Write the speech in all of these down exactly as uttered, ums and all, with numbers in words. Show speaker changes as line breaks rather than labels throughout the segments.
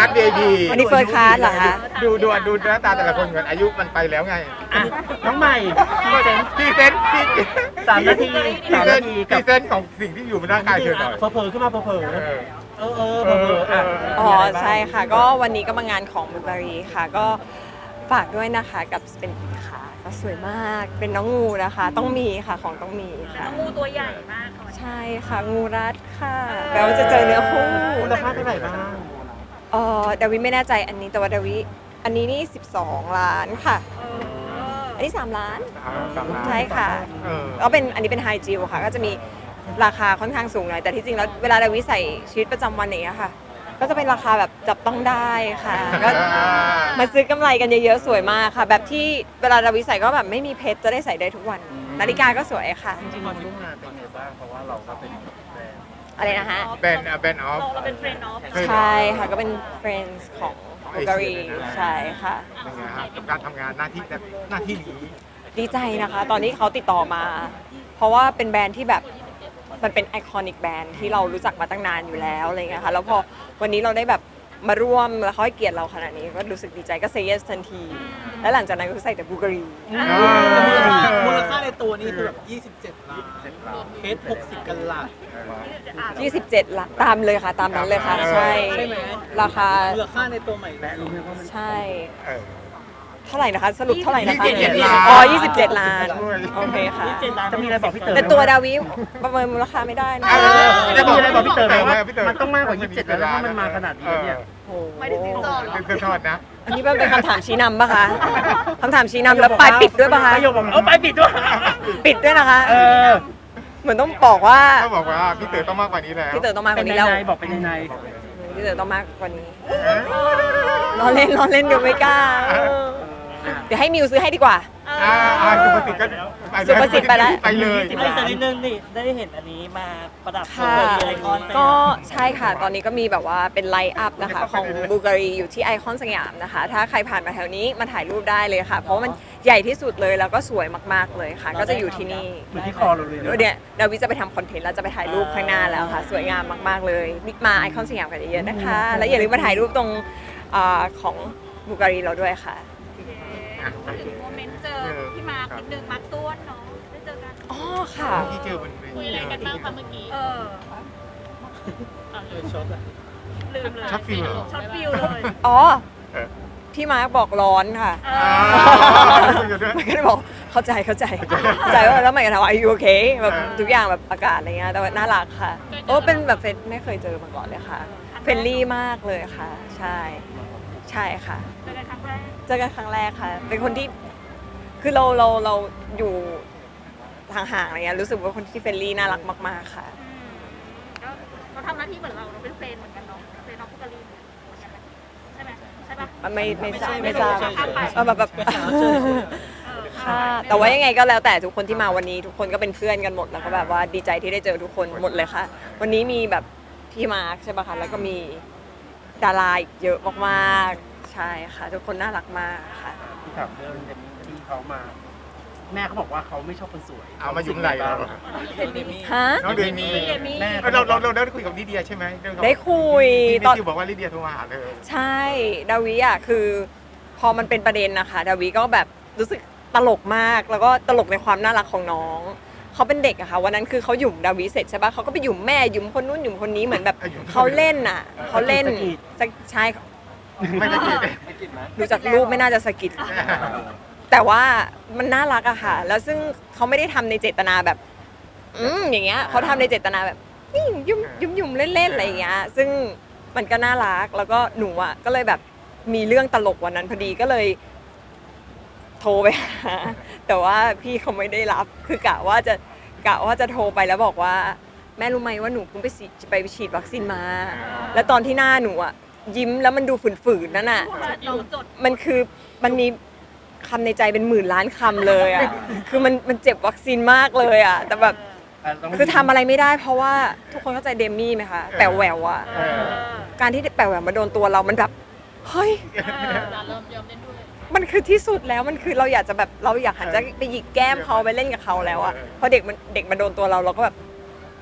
ส วี ไอ พี
อันนี้เฟิร์สคลาสเหรอคะ
ดูดูดูหน้าตาแต่ละคนก่อนอายุมันไปแล้วไง
อ่ะน้องใหม่พรีเซนต์
พรีเซนต์พี่
สามนาที
พรี
สาม
เซ
นาน
ต์
ที
พ
กั
รี
บ
เซนต์ของสิ่งที่อยู่บนร่างกายเธอหน่อย
เผลอๆขึ้นมาเผลอ
เออ
ๆเออเออเผลอๆอ่ะ
อ๋อ
มีะไรบ้าง
ใช่ค่ะ ก็วันนี้ก็มางานของบูการีค่ะ ก็ฝากด้วยนะคะกับเป็นค่ะก็สวยมากเป็นน้องงูนะคะ ต้องมีค่ะของต้องมีค่ะ
งูตัวใหญ่มากค่ะ
ใช่ค่ะงูรัดค่ะแปลว่าจะเจอเนื้อคู่
มูลค่าเท่าไหร่บ้าง
เออดาวิไม่แน่ใจอันนี้แต่ว่าดาวิอันนี้นี่สิบสองล้านค่ะ
เออ
อันนี้สามล้าน
กลับมา
ใช่ค่ะ
เออ
ก็เป็นอันนี้เป็นไฮจิวค่ะ ก็จะมีราคาค่อนข้างสูงหน่อยแต่ที่จริงแล้วเวลาดาวิใส่ชีวิตประจำวันอย่างเนี้ยค่ะ ก็จะเป็นราคาแบบจับต้องได้ค่ะ ก็มาซื้อกำไรกันเยอะๆสวยมากค่ะ แบบที่เวลาดาวิใส่ก็แบบไม่มีเพชรจะได้ใส่ได้ทุกวัน นาฬิกาก็สวยค่ะ
จริงๆมันร่วมงานเป็นไงบ้างเพราะว่าเราก็เป็นแบรนด์
อะไรนะฮะ
แบนแบนออฟ
เราเราเป็นเฟรนด์ออฟ
ใช่ค่ะก็เป็น friends ของบูการีใช่ค่ะ
เป็นไงฮะกับการทำงานหน้าที่แบบหน้าที่นี้
ดีใจนะคะ ตอนนี้เขาติดต่อมา เพราะว่าเป็นแบรนด์ที่แบบมันเป็นไอคอนิกแบรนด์ที่เรารู้จักมาตั้งนานอยู่แล้วอะไรเงี้ยค่ะแล้วพอวันนี้เราได้แบบมาร่วมแล้วเขาให้เกียรติเราขนาดนี้ก็รู้สึกดีใจก็เซย์เยสทันที แล้วหลังจากนั้นก็ใส่แต่บูการี
มูลค่าในตัวนี้คือแบบยี่สิบเจ็ดล้านเพชรหกสิบกันลัด
ยี่สิบเจ็ดหลักตามเลยค่ะ ตามนั้นเลยค่ะ ใช่
ใช่ไหม
ราคา
มูลค่าในตัวใหม่
และรู้ไหมว่ามัน
ใช่
เออ
เท่าไหร่นะคะ สรุปเท่าไหร่นะคะ
ยี่สิบเจ็ดล้าน
อ๋อยี่สิบเจ็ดล้านโอเคค่ะ
เจ็ดล้านจะมีอะไรบอกพี่เต๋อ
แต่ตัวดาวิประเมินมูลค่าไม่ได้นะ
เออ
จะมีอะไรบอกพี่เต๋อไหมว่า
พี่เต๋อ
มันต้องมากกว่ายี่สิบเจ็ดแล้วถ้ามันมาขนาดนี้เนี่ย
โอ้โห
ไม่ได้สินสอดหรอ
เป็นเสื้อทอดนะ
อันนี้มันเป็นคำถามชี้นำปะคะคำถามชี้นำแล้วปลายปิดด้วยปะคะ
ประโยคบอกเออปลายปิดด้วย
ปิดด้วยนะคะ
เออ
เหมือนต้องบอกว่า
ต้องบอกว่าพี่เต๋อต้องมากกว่านี้แล้ว
พี่เต๋อต้องมากก
เป็น
ว่า
ใน
นี้แล้ว
ในบอกเป็นในใน
พี่เต๋อต้องมากกว่านี้ล้อเล่นล้อเล่นเดี๋ยวไม่กล้าเออเดี๋ยวให้มิวซื้อให้ดีกว่า
อ่าอ่าสุภสิทธิ์ก็ไป
สุภสิทธิ์ไปแล้ว
ไปเลย
ไอ้สักนิดนึงนี่ได้เห็นอันนี้มาประดับ
ค่ะ
ไอคอน
ก็ใช่ค่ะ ตอนนี้ก็มีแบบว่าเป็นไลท์อัพนะคะของบูการีอยู่ที่ไอคอนสยามนะคะ ถ้าใครผ่านมาแถวนี้มาถ่ายรูปได้เลยค่ะ เพราะว่ามันใหญ่ที่สุดเลยแล้วก็สวยมากๆเลยค่ะ ก็จะอยู่ที่นี่
เหมือนที่คอเราเลย
เดี๋ยวเนี่ยดาวิจะไปทำคอนเทนต์แล้วจะไปถ่ายรูปข้างหน้าแล้วค่ะ สวยงามมากๆเลยมาไอคอนสยามกันเยอะๆนะคะ แล้วอย่าลืมมาถ่ายรูปตรงอ่าของบูการีเราด้วยค่ะ
มาถึงโมเมนต์เจอพี่มาร์คนิดนึงมาร์คต้วนเนาะได้เจอกัน
อ๋อค่ะ
ที่เจอบนเวที
คุยอะไรกันบ้างคะเมื่อกี้เออ
เลยช็อตอะ
ลืมเลย
ช็อตฟิลเหรอ
ช็อตฟิลเลย
อ๋อ
เออ
พี่มาร์คบอกร้อนค่ะ
เอ
อ่า
อ
คุยกันด้วย
มันก็เลยบอกเข้าใจเข้าใจเข้าใจว่าแล้วมันก็ถามว่า are you okay แบบทุกอย่างแบบอากาศอะไรเงี้ยแต่ว่าน่ารักค่ะโอ้เป็นแบบเฟรนไม่เคยเจอมาก่อนเลยค่ะเฟรนลี่มากเลยค่ะ ใช่ใช่ค่ะ
เจอกันครั้งแรก
เจอกันครั้งแรกค่ะ เป็นคนที่คือเราเราเราอยู่ห่างๆอะไรเงี้ยรู้สึกว่าคนที่เฟรนลี่น่ารักมากๆค่ะ
ก็เขาทำหน้าที่เหมือนเราเราเป็นเฟรนเหมือนกันเนาะเฟรนน้องพุกกะลีเหมือนกันไหมใช่ไหมใช่ปะ
ไม่ไม่ทราบ
ไม่
ไม่
ใช่
ทราบ
ไม่ใช่
เออแบบแบบ
เออ
ค่ะแต่ว่ายังไงก็แล้วแต่ทุกคนที่มาวันนี้ทุกคนก็เป็นเพื่อนกันหมดแล้วก็แบบว่าดีใจที่ได้เจอทุกคนหมดเลยค่ะ วันนี้มีแบบพี่มาร์คใช่ปะคะแล้วก็มีดาราอีกเยอะมากๆใช่ค่ะ ทุกคนน่ารักมากค่ะ
ที่ถามเรื่องเดมมี่ที่เขามา แม่เขาบอกว่าเขาไม่ชอบคนสวย
เอามายุ่งไรเรา
ฮะ
น้องเดมี่
เดมี่
แม่
เออเราเราเราได้คุยกับลิเดียใช่ไหมเรื่องของ
ได้คุย
ที่
ตอน
ที่บอกว่าลิเดียโทรมาหาเลย
ใช่ดาวิอ่ะคือพอมันเป็นประเด็นนะคะดาวิก็แบบรู้สึกตลกมากแล้วก็ตลกในความน่ารักของน้องเขาเป็นเด็กอะค่ะวันนั้นคือเขาหยุ่มดาวิเสร็จใช่ปะเขาก็ไปหยุ่มแม่หยุ่มคนนู้นหยุ่มคนนี้เหมือนแบบเขาเล่นอะเขาเล่นใช่
ไม่ได้กิน
ดูจากรูปไม่น่าจะสะกิด แต่ว่ามันน่ารักอะค่ะ แล้วซึ่งเขาไม่ได้ทำในเจตนาแบบ อืมอย่างเงี้ยเขาทำในเจตนาแบบนี่ยุ่มยุ่มยุ่มเล่นๆอะไรอย่างเงี้ย ซึ่งมันก็น่ารักแล้วก็หนูอะก็เลยแบบมีเรื่องตลกวันนั้นพอดีก็เลย โทรไปหาแต่ว่าพี่เขาไม่ได้รับคือกะว่าจะกะว่าจะโทรไปแล้วบอกว่า แม่รู้ไหมว่าหนูเพิ่งไปฉีดไปฉีดวัคซีนมา แล้วตอนที่หน้าหนูอะยิ้มแล้วมันดูฝืนๆนั่นน่ะ
น้องจด
มันคือมันมีคำในใจเป็นหมื่นล้านคำเลยอ่ะ คือมันมันเจ็บวัคซีนมากเลยอ่ะ แต่แบบคือทำอะไรไม่ได้เพราะว่าทุกคนเข้าใจเดมี่ไหมคะแป๋วแหววอ่ะ
เออ
การที่แป๋วแหววมาโดนตัวเรามันแบบเฮ้ย
เริ่มยอมเล่นด้วย
มันคือที่สุดแล้วมันคือเราอยากจะแบบเราอยากหันจะไปหยิกแก้มเขาไปเล่นกับเขาแล้วอ่ะพอเด็กมันเด็กมาโดนตัวเราเราก็แบบ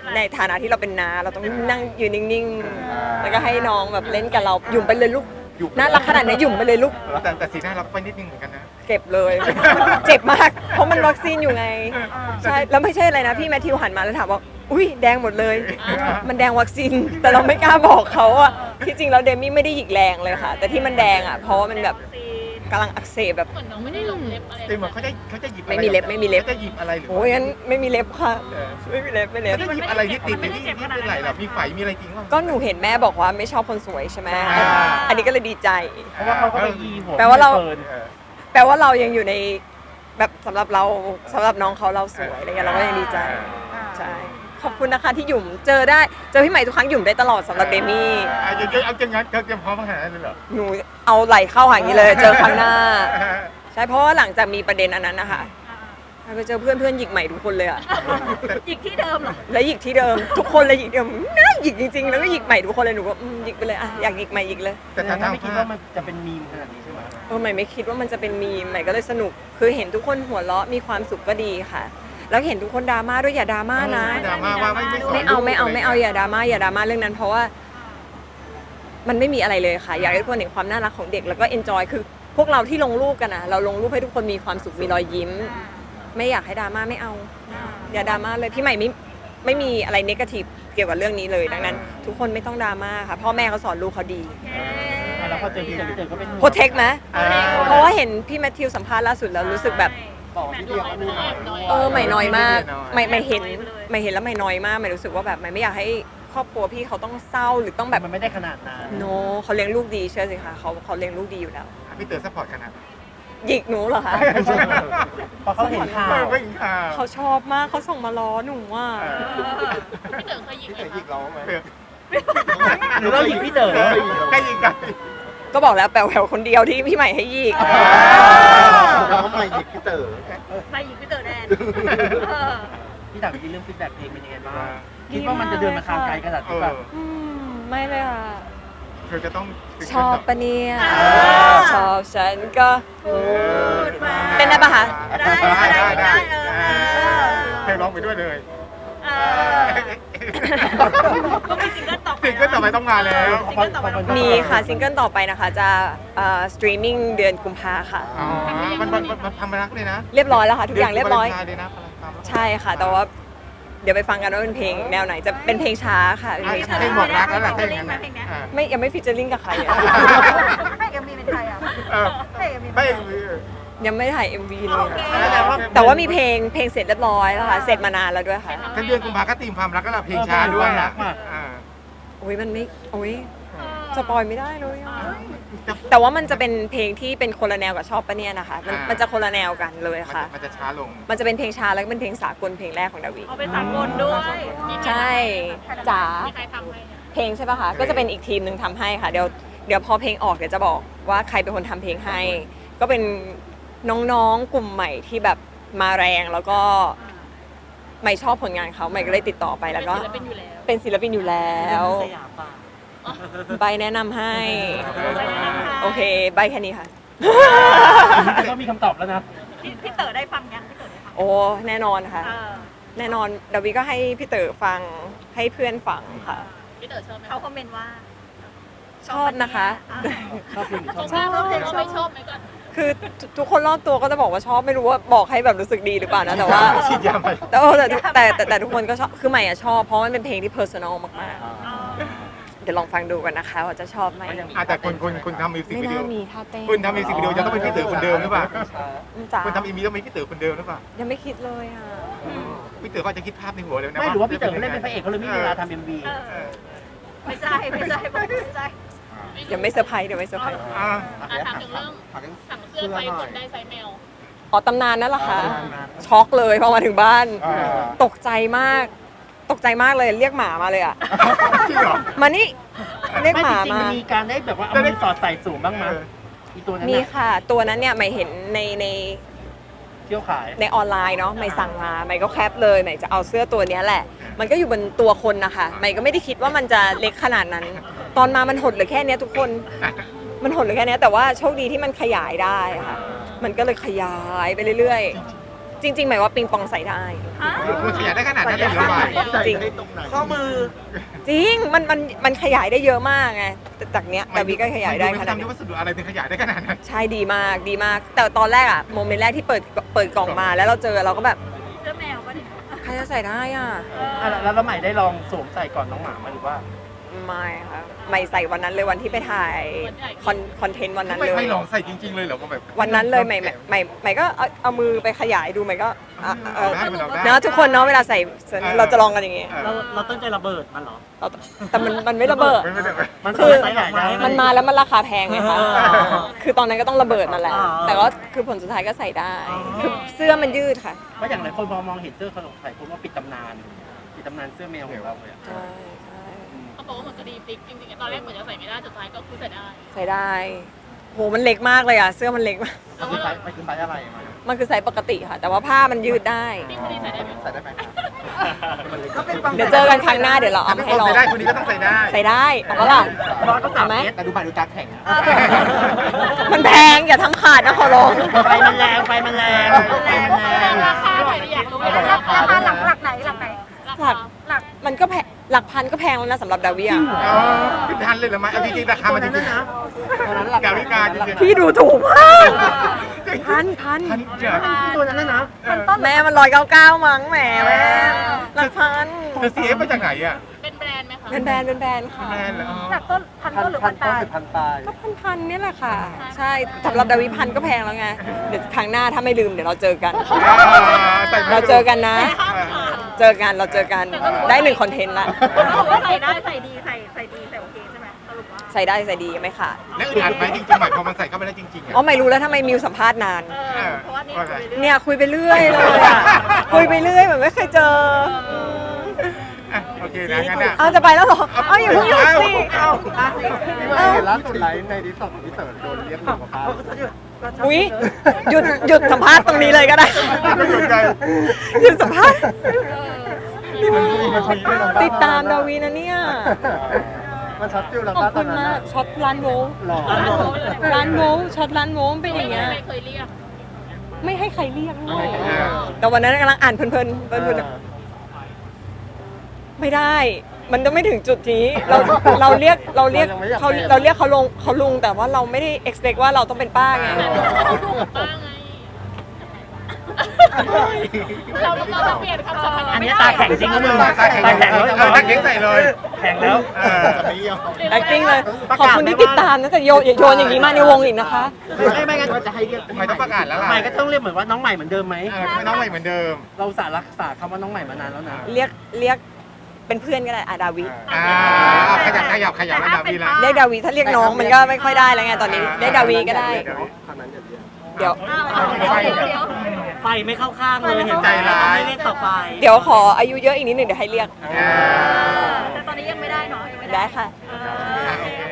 ในฐานะที่เราเป็นน้าเราต้องนั่งยืนนิ่งๆแล้วก็ให้น้องแบบเล่นกับเราหยุ่มไปเลยลูกน่ารักขนาดนี้หยุ่มไปเลยลูก
แต่แต่สีหน้าเราก็ไปนิดนึงเหมือนกันนะ
เก็บเลย เจ็บมาก เพราะมันวัคซีนอยู่ไง ใช่ แล้วไม่ใช่อะไรนะ พี่แมทธิวหันมาแล้วถามว่า อุ้ยแดงหมดเลย มันแดงวัคซีน แต่เราไม่กล้าบอกเขาอะที่จริงแล้วเดมี่ไม่ได้หยิกแรงเลยค่ะ แต่ที่มันแดงอะเพราะว่ามันแบบกำลังอักเสบแบบ
เหมือนน้องไม่ได้ลงเล็บอะไร
แต่เหมือนเขาจะเขาจะหยิบอะร
ไม่มีเล็บไม่มีเล็บ
ขาจะหยิบอะไรหรือ
โอ้ยงั้นไม่มีเล็บค่ะ ไม่มีเล็บไม่เล็บ
เขาจะหยิบอะไรที่ติดในที่ที่เป็นไหลหรอมีไฝมีอะไรจริงป่ะ
ก็หนูเห็นแม่บอกว่าไม่ชอบคนสวยใช่ไหม
อ่า
อันนี้ก็เลยดีใจ
เพราะว่าเขาก็ไปยีหัว
แปลว่าเรา
ฟิร์น
เออ
แปลว่าเรายังอยู่ในแบบสำหรับเราสำหรับน้องเขาเราสวยอะไรเงี้ยเราก็ยังดีใจ ใช่ ขอบคุณนะคะที่หยุ่มเจอได้เจอพี่ใหม่ทุกครั้งหยุ่มได้ตลอดสำหรับเดมี่
อ่ะเอาเอาจังงั้นเขาเตรียมพร้อมขนาดนั้นเลยเหรอ
หนูเอาไหลเข้าหาอย่างนี้เลย เจอครั้งหน้า ใช่เพราะว่าหลังจากมีประเด็นอันนั้นนะคะไปเจอเพื่อนเพื่อนหยิกใหม่ทุกคนเลยอะ
อีกที่เดิมเหรอ
แล้วหยิกที่เดิมทุกคนเลยหยิกเดิมน่าหยิกจริงๆแล้วก็หยิกใหม่ทุกคนเลยหนูก็อืมหยิกไปเลยอะอยากหยิกใหม่หยิกเลย
แต่
แต่
ทาง
ถ้า
ทาง
ไม่คิดว่ามันจะเป็นมีมขนาดนี้ใช่ไหม
เออใหม่ไม่คิดว่ามันจะเป็นมีมใหม่ก็เลยสนุกคือเห็นทุกคนหัวเราะมีความสุขก็ดีค่ะ แล้วเห็นทุกคนดราม่าด้วยอย่าดราม่านะ
ดราม่าว่าไม่ไม่สน
ไม่เอาไม่เอา
ลูกะร
ไม่เอาอย่าดราม่าอย่าดราม่าเรื่องนั้น เพราะว่า มันไม่มีอะไรเลยค่ะ อยากให้ทุกคนเห็นความน่ารักของเด็กแล้วก็เอนจอยคือ พวกเราที่ลงรูปกันนะเราลงรูปให้ทุกคนมีความสุขมีรอยยิ้ม ไม่อยากให้ดราม่าไม่เอา อย่าดราม่าเลยพี่ใหม่ไม่ไม่มีอะไรเนกาทีฟเกี่ยวกับเรื่องนี้เลยดังนั้น ทุกคนไม่ต้องดราม่าค่ะพ่อแม่เขาสอนลูกเขาดี
อ่ะแล้วพอเจอพี่เต๋อพี่เต๋อก็เป็นห่วง
โปรเทคไหม
อ่า
เพราะว่าเห็นพี่แมทธิวสัมภาษณ์ล่าสุดแล้วรู้สึกแบบ
บอกพี่เต๋อว่าดูหน่อย
เออใหม่น้อยมาก
ไม่
ใหม่
ได้น้อย
ใหม่เห็นใหม่เห็นแล้วใหม่น้อยมากใหม่รู้สึกว่าแบบใหม่ไม่อยากให้ครอบครัวพี่เขาต้องเศร้าหรือต้องแบบ
มันไม่ได้ขนาดนั้น
โนเขาเลี้ยงลูกดีเชื่อสิคะเขาเขาเลี้ยงลูกดีอยู่แล้ว
พี่เต๋อซัพพอร์ตขนาดไหน
หยิกหนูเหรอคะ
พอเขาเห็นข่าว
ไม่ไม่ข่าว
เขาชอบมากเขาส่งมาล้อหนูอ่ะ
พี่เต๋อเคยยิง
พี่
ไหม
เต๋อยิงเราไหม
หรือเราหยิงพี่เต๋อ
ใครยิงกัน
ก็บอกแล้วแปลวแถวคนเดียวที่พี่ใหม่ให้หยิก
เราทำไมยิงพี่เต๋อ
ไปยิงพี่เต๋อแดนเออ
พี่ถามจริงเรื่องฟีดแบ็กเพลงเป็นยังไงบ้างคิดว่ามันจะเดินมาทางไกลขนาด
เอ
นี้
อ
ป่ะ
อืมไม่เลยค่ะ
เธอจะต้อง
ชอบปะเนี่ย
อ่า
ชอบฉันก็
พูดมา
เต้นได้ปะคะ
ได้ได้ได้เออ
เธอร้องไปด้วยเลย
เออก็มีซิงเกิลต่อไป
สิ่งก็ต่อไปต้องมาแล้ว
ซิงเกิลต่อไปต้องา
มีค่ะซิงเกิลต่อไปนะคะจะสตรีมมิ่งเดือนกุมภาค่ะ
อ๋อมันมันมันทำรักเลยนะ
เรียบร้อยแล้วค่ะ ทุกอย่างเรียบร้อย
ดืนวาเลนไทน์เลยนะพลังความรัก
ใช่ค่ะ แต่ว่าเดี๋ยวไปฟังกันว่าเป็นเพลงแนวไหนจะเป็นเพลงช้าค่ะเป็นเพลงช้า
เพลงบอกรักแล้วล่ะถ้าอย่างนั้น
เพลงเนี้ย
อ่า
ไม่ยังไม่ฟิชเจอริงกับใครอะ
ให้เอ็มวีเป็นใครอ่ะ
เออ
ให้เอ็มวี
ไม่
ยังไม่ถ่าย เอ็ม วี เลย
โอเค
อะแต่ว่ามีเพลงเพลงเสร็จเรียบร้อยแล้วค่ะเสร็จมานานแล้วด้วยค่ะ
ถ้าเดือนกุมภาก็ตีมความรักก็ละเพลงช้าด้วยอ่ะอ่า
โอ้ยมันไม่โอ้ยสปอยไม่ได้เลยอะแต่ว่ามันจะเป็นเพลงที่เป็นคนละแนวกับชอบปะเนี่ยนะคะมันมันจะคนละแนวกันเลยค่ะ
มันจะช้าลง
มันจะเป็นเพลงช้าแล้วก็เป็นเพลงสากลเพลงแรกของดาวิ
เอาเป็นสากลด้วยมี
ใช่จ๋า
ใครทำให้เนี่ย
เพลงใช่ปะคะก็จะเป็นอีกทีมหนึ่งทำให้ค่ะเดี๋ยวเดี๋ยวพอเพลงออกเดี๋ยวจะบอกว่าใครเป็นคนทำเพลงให้ ก็เป็นน้องๆกลุ่มใหม่ที่แบบมาแรงแล้วก็ใหม่ชอบผลงานเขาใหม่ก็เลยติดต่อไปแล้วก็
เป็นศิลปินอยู่แล้ว
เป็นศิลปินอยู่แล้ว
สยามป่ะ
ใบแนะนำให้ โอเคใบแค่นี้ค่ะ
ก็มีคำตอบแล้วนะ
พี่พี่เต๋อได้ฟังยังพี่เต๋อได้ฟัง
โอ้แน่นอนค่ะ
เออ
แน่นอนดาวิก็ให้พี่เต๋อฟังให้เพื่อนฟังค่ะ
พี่เต๋อชอบไหมเขาคอมเมนต์ว่า
ชอบนะคะ
ชอบเพลงหรือชอบ
ชอบชอบชอบไม่ชอบไหมก่อน
คือทุกคนรอบตัวก็จะบอกว่าชอบไม่รู้ว่าบอกให้แบบรู้สึกดีหรือเปล่านะแต่ว่า
ฉีดยาไป
แต่เออแต่ทุกแต่แต่แต่ทุกคนก็ชอบคือใหม่อะชอบเพราะมันเป็นเพลงที่เพอร์ซันอลมากๆเดี๋ยวลองฟังดูกันนะคะว่าจะชอบไหม
อาจจะคนคนคนทำมิวสิก
ไม่
วิดี
น่า
โอ
มีท่าเต้น
คุณทำมิวสิกวิดีโอจะต้องเป็นพี่เต๋อคนเดิมหรือเปล่า
จ๋า
คุณทำอีมีต้องเป็นพี่เต๋อคนเดิมหรือเปล่า
ยังไม่คิดเลยอ่ะ
พี่เต๋อก็จะคิดภาพในหัวเลยนะ
ไม่หรือว่าพี่เต๋อเล่นเป็นพระเอกเขาเลยไม่มีเวลาทำเอ็มวี
เออไม่ใช่ไม่ใช่ไม่ใช่
เดี๋ยวไม่เซอร์ไพรส์เดี๋ยวไม่เซอร์ไพรส์
อ่า
อ่ะถามถึงเรื่องสั่งเสื้อไฟกดได้ไซส์แมว
อ๋อตำนานนั่นแหละค่ะช็อกเลยพอมาถึงบ้าน ตกใจมาก ตกใจมากเลยเรียกหมามาเลยอ่ะ
จริงเหรอ
มานี่เรียก
ไม่
ห
จ
มา
ริงๆ
มา
มันมีการได้แบบว่าเอามือสอดใส่สูงบ้างมั้ยอีตัวนั้น
มี
น่ะ
ค่ะ ตัวนั้นเนี่ยใหม่เห็นในใน
เที่ยวขาย
ในออนไลน์เนาะใหม่สั่งมาใหม่ก็แคปเลยใหม่จะเอาเสื้อตัวเนี้ยแหละ มันก็อยู่บนตัวคนนะคะใหม่ก็ไม่ได้คิดว่ามันจะเล็กขนาดนั้น ตอนมามันหดเหลือแค่เนี้ยทุกคน มันหดเหลือแค่เนี้ยแต่ว่าโชคดีที่มันขยายได้ค่ะ มันก็เลยขยายไปเรื่อยๆ จจริงๆหมายว่าปิงปองใส่ได้
ฮะ
มันขยายได้ขนาดนั้นเลยเหรอวะ
จริง
ข้อมือ
จริงมันมันมันขยายได้เยอะมากไงแต่จากเนี้ยดาวิก็ขยายได้ขนาด
ทำด้
นี้
วยวัสดุอะไรถึงขยายได้ขนาดนั้น
ใช่ดีมากดีมาก แต่ตอนแรกอะโมเมนต์แรกที่เปิดเปิดกล่องมาแล้วเราเจอเราก็แบบ
เสื้อแมวปะเนี่ย
ใครจะใส่ได้อ่ะ
อ่ะแล้วแล้วใหม่ได้ลองสวมใส่ก่อนน้องหมาไหมหรือว่า
ไม่ค่ะไม่ใส่วันนั้นเลยวันที่ไปถ่ายคอนคอนเทนต์วันนั้น
ไม่
เลย
ไม่ลองใส่จริง ๆ เลยเหรอว่าแบบ
วันนั้นเลยใหม่ใหม่ใหม่ใหม่ก็เอาเอามือไปขยายดูใหม่ก็อ่ะเออ
ได้มันลองได้
เนาะทุกคนเนาะเวลาใส่เราจะลองกันอย่างงี้
เราเราตั้งใจระเบิดมันเหรอ
เราแต่มันมันไม่ระเบิด
ไม่ไม่ได้
มัน
คือ
ใส่ไหนได้
มันมาแล้วมันราคาแพงไงคะ
อ๋อ
คือตอนนั้นก็ต้องระเบิดนั่นแหละ
อ๋อ
แต่ก็คือผลสุดท้ายก็ใส่ได้ คือเสื้อมันยืดค่ะ
เพราะอย่างหลายคนมองมองเห็นเสื้อเขาสงสัยคุณว่าปิดตำนานปิดตำนานเสื้อแมวของเราเลยอะ
ใช่ใช่
เขาบอกว่าเหมือนคดีพลิกจริงๆตอนแรกเหมือนจะใส่ไม่ได้สุดท้ายก็คือใส่ได้
ใส่ได้ โหมันเล็กมากเลยอ่ะ เสื้อมันเล็กมาก
มันคือไซส์มันคือไซส์อะไรมา
มันคือไซส์ปกติค่ะ แต่ว่าผ้ามันยืดได้
นี่คดีใส่ได้ไหม
ใส่ได้ไหม
เดี๋ยวเจอกันครั้งหน้าเดี๋ยวเราเอามาให้ลอง
ใส่ได้คนนี้ก็ต้องใส่ได้
ใส่ได้เอาปะล่ะ
ร้อนก็สาม
เอาไหม
เมตรแต่ดูใหม่ดูตาแข็ง
มันแพงอย่าทำขาดนะขอร้อง
ไฟมันแรงไฟมันแรงไฟมันแรง
ราคาหน่อยดิอยากรู้
เอาบอก
รา
ราคา
คา
ด้วย
หลั
นะ
กหลักไหนหลักไหน
หลัก
หลัก
มันก็แพงหลักพันก็แพงแล้วนะสำหรับดาวิอ่ะ
อ๋อเป็นทันเลยเหรอไหมเอาจริงๆราคามันจริงๆนะกาวิกาจริงๆ
พี่ดูถูกมากพันพัน
ทันเจ๋อ
ตัวนั้นนะนะ
แม่มันร้อยเก้าเก้ามั้งแหมแม่หลักพัน
เธอซีเอฟมาจากไหนอ่ะ
เป็นแบรนด์ไหมคะ
เป็นแบรนด์เป็นแบรนด์ค่ะ
แมนเหรอ
หลักต้นพันต้นหรือพันปลาย
พันปลาย
ก็พันพันเนี่ยแหละค่ะ ใช่สำหรับดาวิพันก็แพงแล้วไงเดี๋ยวครั้งหน้าถ้าไม่ลืมเดี๋ยวเราเจอกัน เราเจอกันนะ เจอกันเราเจอกันได้หนึ่งคอนเทนต์ละ
เขาบอกว่าใส่ได้ใส่ดีใส่ใส่ดีใส่โอเคใช่ไหมสรุปว่า
ใส่ได้ใส่ดีไม่ขาด
แล้วอึดอัดไหมจริงๆหมายพอมันใส่เข้าไปแล้วจริงๆ
อ๋อ
อ่ะ
ไม่รู้แล้วทำไมมิวสัมภาษณ์นาน
เออเพราะว่านี่คุยไปเรื่อย
เนี่ยคุยไปเรื่อยเลยอะคุยไปเรื่อยเหมือนไม่เคยเจอ
อ่ะโอเคนะงั้นอ่ะ
เอาจะไปแล้วเหรอเอาอย่าเพิ่งหยุดสิ
เอา
ที่ว่าเห็นล่าสุดไลฟ์ในดิสก์ของพี่เต๋อโดนเรียกหนูกับป้า
อุ้ยหยุดหยุดสัมภาษณ์ตรงนี้เลยก็ได้
ไม่สนใจ
หยุดสัมภาษณ์
นี่มันมีมันมีด้วยเหรอ
ติดตามดาวีนะเนี่ย
มันช็อตฟิลแล้ว
ขอบ
ป้าตอ
คุ
น
ณ
นั้น
มากช็อตร้านโวล
หล่อ
ร้านโวลช็อตร้านโวลเป็นอย่างเงี้ย
ไม่เคยเรียก
ไม่ให้ใครเรียกด้วย
เออ
แต่วันนั้นกำลังอ่านเพลินๆเพลินๆไม่ได้ มันจะไม่ถึงจุดนี้เราเราเรียกเราเรียกเขาเราเรียกเขาลงเขาลุงแต่ว่าเราไม่ได้ expect ว่าเราต้องเป็นป้าไง
แต่เขาดูกับป้าไงเราเราจะเปลี่ยนคำสัมพันธ์
อันนี้ตาแข็งจริงนะมึง
ตาแข็ง
ตาแข็ง
เออตาแข็งใส่เลย
แข็งแล้ว
เออ
acting เลย ขอบคุณที่ติดตามนะแต่โยนอย่าโยนอย่างนี้มาในวงอีกนะคะ
ไม่ไม่งั้นจะให้เรียก
ไม่ต้องประกาศแล้วล่ะ
ใหม่ก็ต้องเรียกเหมือนว่าน้องใหม่เหมือนเดิมไหม
เออไม่น้องใหม่เหมือนเดิม
เราสารักษาคำว่าน้องใหม่มานานแล้วนะ
เรียกเรียกเป็นเพื่อนก็ได้อาดาวิ
อ่าขยับขยับขยับแล้วดาวีละ
เรียกดาวิถ้าเรียกน้องมันก็ไม่ค่อยได้แล้วไงตอนนี้เรียกดาวีก็ได้
คำนั้นอย่าเรียก
เดี๋ยว
อ้าวเดี๋ยวเดี๋ยวเดี๋ยว
ไฟไม่เข้าข้างเลยเห็น
ใจร้าย
ไม่เล่นต่อไป
เดี๋ยวขออายุเยอะอีกนิดหนึ่งเดี๋ยวให้เรียก
อ่า
แต่ตอนนี้ยังไม่ได้เนาะยังไม่ได้
ได้ค่ะ
เอ
อ่ะ
อ
โอเค